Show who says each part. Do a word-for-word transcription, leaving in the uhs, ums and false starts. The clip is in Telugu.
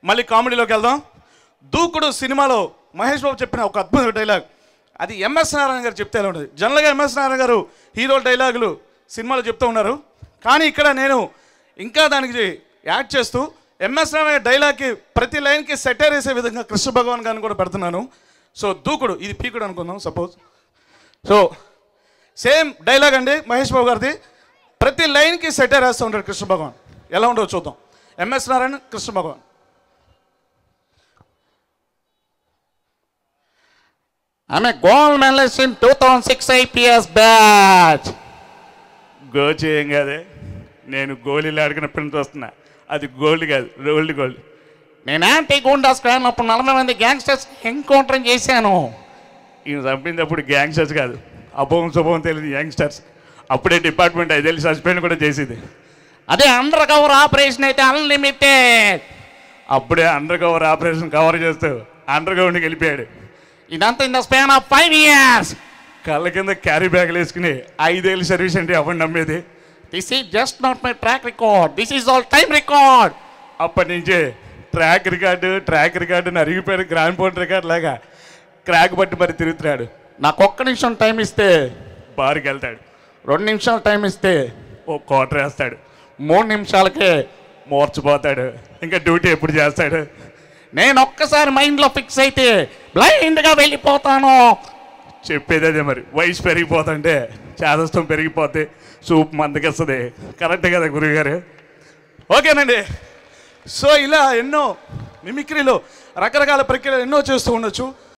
Speaker 1: మళ్ళీ కామెడీలోకి వెళ్దాం. దూకుడు సినిమాలో మహేష్ బాబు చెప్పిన ఒక అద్భుత డైలాగ్, అది ఎంఎస్ నారాయణ గారు చెప్తే ఎలా ఉంటుంది. జనరల్గా ఎంఎస్ నారాయణ గారు హీరో డైలాగులు సినిమాలో చెప్తూ ఉన్నారు, కానీ ఇక్కడ నేను ఇంకా దానికి యాడ్ చేస్తూ ఎంఎస్ నారాయణ డైలాగ్కి ప్రతి లైన్కి సెటర్ వేసే విధంగా కృష్ణ భగవాన్ గారిని కూడా పెడుతున్నాను. సో దూకుడు, ఇది పీకుడు అనుకుందాం సపోజ్. సో సేమ్ డైలాగ్ అండి మహేష్ బాబు గారిది, ప్రతి లైన్కి సెటర్ వేస్తూ ఉంటాడు కృష్ణ భగవాన్. ఎలా ఉండవు చూద్దాం. MS Narayana, Krishna Bhagavan.
Speaker 2: I'm a gold medalist in two thousand six I P S batch.
Speaker 1: గో చేయం కాదే, నేను గోళీలు ఆడుకున్న ప్రింట్ వస్తున్నా, అది గోల్డ్ కాదు, రోల్డ్ గోల్డ్.
Speaker 2: నేను యాంటీ గూండాస్ క్రైమ్ అప్పుడు నలభై మంది గ్యాంగ్స్టర్స్ ఎన్కౌంటర్ చేశాను.
Speaker 1: ఈయన చంపినప్పుడు గ్యాంగ్స్టర్స్ కాదు, అభవం శుభవం తెలియదు యంగ్స్టర్స్. అప్పుడే డిపార్ట్మెంట్ ఐదేళ్ళు సస్పెండ్ కూడా చేసేది.
Speaker 2: అదే అండర్ కవర్ ఆపరేషన్ అయితే అన్లిమిటెడ్.
Speaker 1: అప్పుడే అండర్ కవర్ ఆపరేషన్ కవర్ చేస్తూ అండర్ గ్రౌండ్కి వెళ్ళిపోయాడు.
Speaker 2: ఇదంతా in the span of five years.
Speaker 1: కళ్ళ కింద క్యారీ బ్యాగ్లు వేసుకుని ఐదేళ్ళు సర్వీస్ అంటే ఎవరు నమ్మేది?
Speaker 2: This is just not my track record, this is all time record.
Speaker 1: అప్పటి నుంచే ట్రాక్ రికార్డు ట్రాక్ రికార్డుని అరిగిపోయాడు. గ్రాండ్ పోర్ట్ రికార్డు లాగా క్రాక్ బట్టి మరి తిరుగుతున్నాడు.
Speaker 2: నాకు ఒక్క నిమిషం టైం ఇస్తే
Speaker 1: బార్కి వెళ్తాడు,
Speaker 2: రెండు నిమిషాలు టైం ఇస్తే
Speaker 1: ఓ క్వార్టర్ వేస్తాడు,
Speaker 2: మూడు నిమిషాలకే
Speaker 1: మోర్చిపోతాడు. ఇంకా డ్యూటీ ఎప్పుడు చేస్తాడు?
Speaker 2: నేను ఒక్కసారి మైండ్లో ఫిక్స్ అయితే బ్లైండ్గా వెళ్ళిపోతాను.
Speaker 1: చెప్పేది అదే మరి. వయసు పెరిగిపోతుంటే చేదస్తం పెరిగిపోతే సూప్ మందకిస్తుంది. కరెక్టే కదా గురువుగారు? ఓకేనండి. సో ఇలా ఎన్నో మిమిక్రీలో రకరకాల ప్రక్రియలు ఎన్నో చేస్తూ ఉండొచ్చు.